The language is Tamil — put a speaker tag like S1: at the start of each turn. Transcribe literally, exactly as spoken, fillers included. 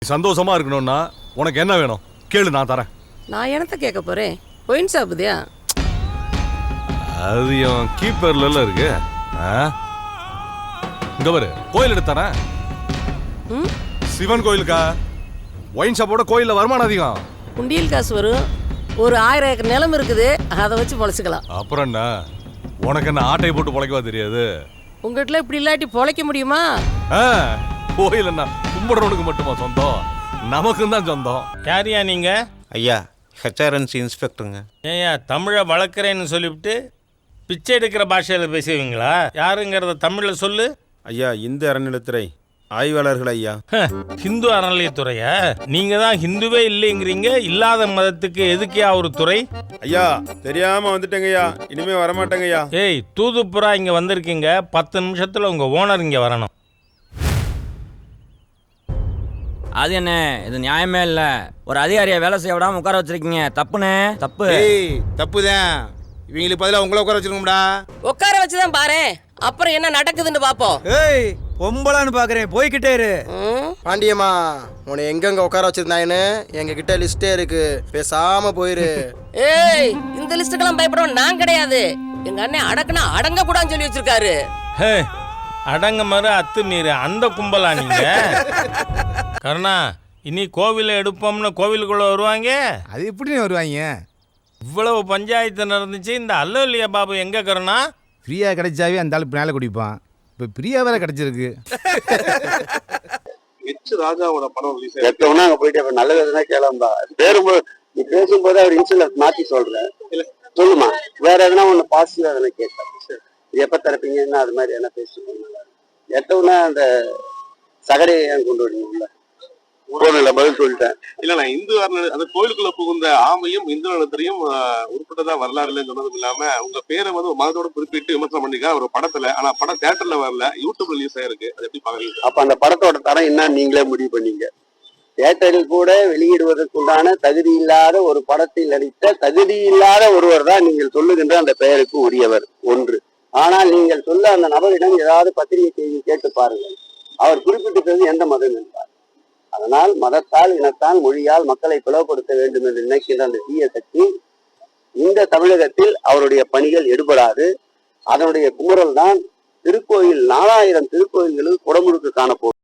S1: சந்தோஷமா இருக்கணும்னா உனக்கு என்ன வேணும் கேளு, நான் தரேன்.
S2: நான் என்னத்த கேட்க போறேன்? ஒயின் சாப்பிடுதியா?
S1: அது என் கீப்பர்ல இருக்கு. இங்க பாரு, கோயில் எடுத்து தரேன். சிவன் கோயிலுக்கா? ஒயின் ஷாப்போட கோயில்ல வருமானம் அதிகம்.
S2: குண்டியல் காசு வரும். ஒரு ஆயிரம் ஏக்கர் நிலம் இருக்குது, அதை வச்சு பொழைச்சிக்கலாம்.
S1: அப்புறம் என்ன, உனக்கு என்ன ஆட்டையை போட்டு பொழைக்கவா தெரியாது?
S2: உங்ககிட்ட இப்படி இல்லாட்டி பொழைக்க முடியுமா?
S1: கோயில் என்ன கும்பிடுறவனுக்கு மட்டுமா சொந்தம்? நமக்கும் தான் சொந்தம்.
S3: யாரியா நீங்க?
S4: ஐயா, ஹெச்ஆர்என்சி இன்ஸ்பெக்டருங்க.
S3: ஏயா தமிழை வளர்க்குறேன்னு சொல்லிவிட்டு பிச்சை எடுக்கிற பாஷையில் பேசுவீங்களா? யாருங்கிறத தமிழில் சொல்லு.
S4: ஐயா, இந்து அறநிலைத்துறை ஆய்வாளர்கள் ஐயா.
S3: ஹிந்து அறநிலையத்துறையா? நீங்க தான் ஹிந்துவே இல்லைங்கிறீங்க. இல்லாத மதத்துக்கு எதுக்கியா ஒரு துறை?
S4: ஐயா, தெரியாம வந்துட்டேங்க ஐயா, இனிமே வரமாட்டேங்க ஐயா.
S3: ஏய், தூதுப்புறா இங்க வந்திருக்கீங்க. பத்து நிமிஷத்துல உங்க ஓனர் இங்க வரணும்.
S5: அது என்ன, இது நியாயமே இல்ல. ஒரு அதிகாரியை வேலை செய்ய விடாம உட்கார வச்சிருக்கீங்க. தப்புனே, தப்பு.
S6: ஏய், தப்புதான். இவங்களுக்கு பதிலா உங்களை உட்கார வச்சிருக்கோம்டா.
S2: உட்கார வச்சுதான் பாரு, அப்புறம் என்ன நடக்குதுன்னு பாப்போம்.
S7: ஏய், பொம்பளான்னு பாக்குறேன், போய்கிட்டே இரு.
S6: பாண்டியம்மா, உன்னை எங்கெங்க உட்கார வச்சிருந்தாங்கன்னு எங்க கிட்ட லிஸ்டே இருக்கு, பேசாம போயிரு.
S2: ஏய், இந்த லிஸ்டுக்கெல்லாம் பயப்படவும் நான் கிடையாது. எங்க அண்ணன் அடக்குனா அடங்க கூடாதுன்னு சொல்லி வச்சிருக்காரு.
S3: ஹே, அடங்க மறு அத்து மீறு அந்த கும்பலா நீங்க? கருணா, இனி கோவிலை எடுப்போம்னு கோவிலுக்குள்ள வருவாங்க.
S7: அது எப்படி வருவாங்க?
S3: இவ்வளவு பஞ்சாயத்து நடந்துச்சு, இந்த அல்லலியா பாபு எங்க கருணா?
S7: ஃப்ரீயா கிடைச்சாவே அந்த ஆளு பின்னால குடிப்பான். இப்ப ஃப்ரீயா வேற கிடைச்சிருக்கு.
S8: எச் ராஜாவோட படம் ரிலீஸ் ஆயிடுச்சு. அங்க போயிட்டு நல்ல விதமா கேளாம்பா பேரும்போது நீ பேசும்போது அவர் இன்சுலன்ஸ் மாத்தி சொல்றேன். சொல்லுமா, வேற எதனா ஒண்ணு பாசிட்டிவா எதனா கேட்க எப்ப தரப்பீங்கன்னா அது மாதிரி என்ன பேசுவாங்க. எட்டவுன்னா அந்த சகரையை ஏன் கொண்டு வரீங்கல்ல, பதில் சொல்லிட்டேன். இல்ல, நான் இந்து அந்த கோயிலுக்குள்ள புகுந்த ஆமையும் இந்து நலத்திலையும் உட்பட்டதா வரலாறுல சொன்னதும் இல்லாம உங்க பேரை வந்து மதத்தோட குறிப்பிட்டு விமர்சனம் பண்ணிக்க ஒரு படத்துல. ஆனா படம் தியேட்டர்ல வரல, யூடியூப்ல ரிலீஸ் ஆயிருக்கு. அது எப்படி பாக்குறீங்க? அப்ப அந்த படத்தோட தரம் என்ன நீங்களே முடிவு பண்ணீங்க. தியேட்டரில் கூட வெளியிடுவதற்குண்டான தகுதி இல்லாத ஒரு படத்தில் நடித்த தகுதி இல்லாத ஒருவர் தான் நீங்கள் சொல்லுகின்ற அந்த பெயருக்கு உரியவர் ஒன்று. ஆனால் நீங்கள் சொல்ல அந்த நபரிடம் ஏதாவது பத்திரிகை செய்தி கேட்டு பாருங்கள், அவர் குறிப்பிட்டிருக்கிறது எந்த மதம் என்றார். அதனால் மதத்தால், இனத்தால், மொழியால் மக்களை பிளவுபடுத்த வேண்டும் என்று நினைக்கின்ற அந்த தீய சக்தி இந்த தமிழகத்தில் அவருடைய பணிகள் எடுபடாது. அதனுடைய குமுறல் தான் திருக்கோயில் நாலாயிரம் திருக்கோயில்களில் குடமுழுக்கு காணப்போகும்.